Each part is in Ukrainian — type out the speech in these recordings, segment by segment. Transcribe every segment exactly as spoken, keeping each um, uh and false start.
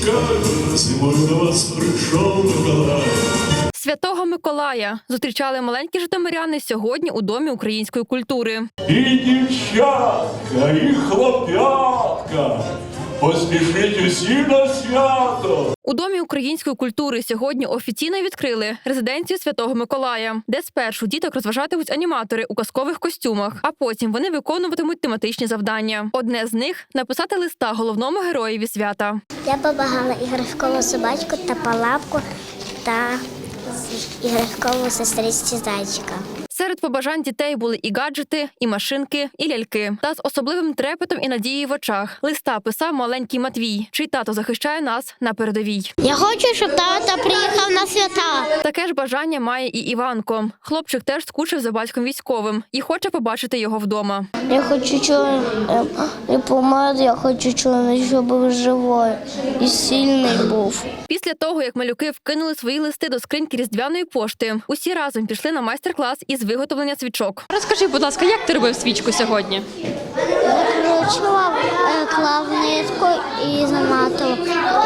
чекаю, зимою до вас прийшов Миколай. Святого Миколая зустрічали маленькі житомиряни сьогодні у Домі української культури. І дівчатка, і хлоп'ятка, поспішіть усі на свято. У Домі української культури сьогодні офіційно відкрили резиденцію Святого Миколая, де спершу діток розважатимуть аніматори у казкових костюмах, а потім вони виконуватимуть тематичні завдання. Одне з них – написати листа головному героєві свята. Я побагала іграшкову собачку та палапку та іграшкову сестричці зайчика. Серед побажань дітей були і гаджети, і машинки, і ляльки. Та з особливим трепетом і надією в очах листа писав маленький Матвій, чий тато захищає нас на передовій. Я хочу, щоб тато приїхав на свята. Таке ж бажання має і Іванко. Хлопчик теж скучив за батьком військовим і хоче побачити його вдома. Я хочу, щоб не помер, я хочу, щоб був живий і сильний був. Після того, як малюки вкинули свої листи до скриньки різдвяної пошти, усі разом пішли на майстер-клас із виготовлення свічок. Розкажи, будь ласка, як ти робив свічку сьогодні? Закручував, клав нитку і заматував.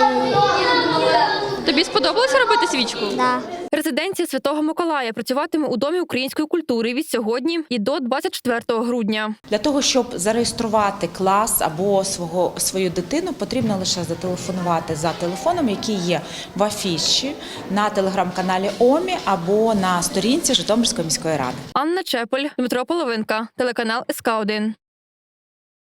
Тобі сподобалося робити свічку? Да. Резиденція Святого Миколая працюватиме у Домі української культури від сьогодні і до двадцять четвертого грудня. Для того, щоб зареєструвати клас або свого, свою дитину, потрібно лише зателефонувати за телефоном, який є в афіші на телеграм-каналі ОМІ або на сторінці Житомирської міської ради. Анна Чепель, Дмитро Половинка, телеканал ес ка один.